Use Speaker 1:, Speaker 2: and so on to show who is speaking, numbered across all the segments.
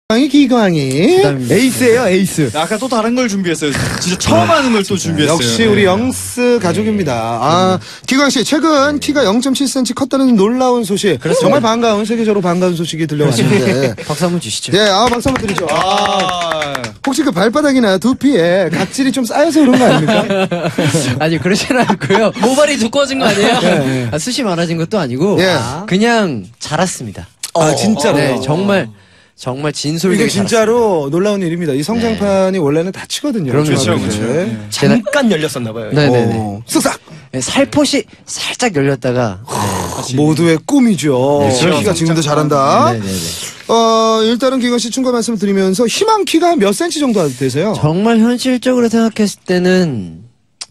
Speaker 1: 기광이
Speaker 2: 에이스예요, 에이스.
Speaker 3: 아까 또 다른 걸 준비했어요. 진짜 처음 하는 걸 또 준비했어요.
Speaker 1: 역시 우리 영스 가족입니다. 아, 기광 씨 최근 키가 0.7cm 컸다는 놀라운 소식. 정말 반가운 세계적으로 반가운 소식이 들려왔는데
Speaker 2: 박수 한번 주시죠.
Speaker 1: 네, 박수 한번 드리죠. 혹시 그 발바닥이나 두피에 각질이 좀 쌓여서 그런 거 아닙니까?
Speaker 2: 아니 그러진 않고요.
Speaker 4: 모발이 두꺼워진 거 아니에요?
Speaker 2: 네. 숱이 많아진 것도 아니고 그냥 자랐습니다.
Speaker 1: 아, 진짜로.
Speaker 2: 네, 정말 진솔되게
Speaker 1: 이게 진짜로 놀라운 일입니다. 이 성장판이 원래는 다치거든요.
Speaker 2: 그럼요.
Speaker 3: 그렇죠.
Speaker 4: 잠깐 열렸었나봐요.
Speaker 2: 네네네.
Speaker 1: 쓱싹
Speaker 2: 네, 살포시 살짝 열렸다가
Speaker 1: 모두의 꿈이죠.
Speaker 2: 그렇죠.
Speaker 1: 키가 지금도 잘한다.
Speaker 2: 네네네.
Speaker 1: 일단은 기광 씨 충고 말씀을 드리면서 희망 키가 몇 cm 정도 되세요?
Speaker 2: 정말 현실적으로 생각했을 때는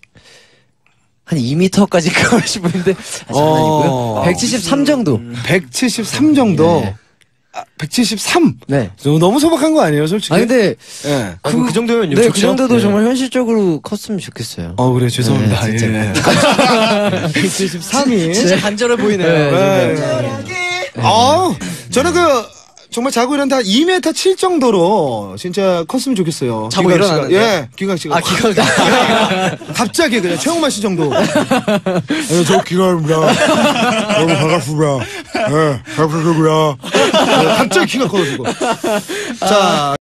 Speaker 2: 한 2m까지 가고 싶은데 장난이고요. 173 정도.
Speaker 1: 173 정도.
Speaker 2: 네.
Speaker 1: 173.
Speaker 2: 네.
Speaker 1: 너무 소박한 거 아니에요, 솔직히?
Speaker 2: 아 근데
Speaker 1: 예.
Speaker 4: 그 정도면
Speaker 2: 네, 그 정도도 정말 현실적으로 컸으면 좋겠어요.
Speaker 1: 그래 죄송합니다.
Speaker 2: 네, 진짜.
Speaker 1: 예. 173이.
Speaker 4: 진짜 간절해 보이네요.
Speaker 1: 저는 정말 자고 일어난다 2m 7 정도로 진짜 컸으면 좋겠어요.
Speaker 4: 자고
Speaker 1: 기광 씨가.
Speaker 4: 일어나는데?
Speaker 1: 예, 기광 씨가.
Speaker 4: 기광
Speaker 1: 갑자기 그냥 최홍만 씨 정도. 저 기광입니다. 너무 반갑습니다. 예, 반갑습니다. 갑자기 키가 커가지고. 자.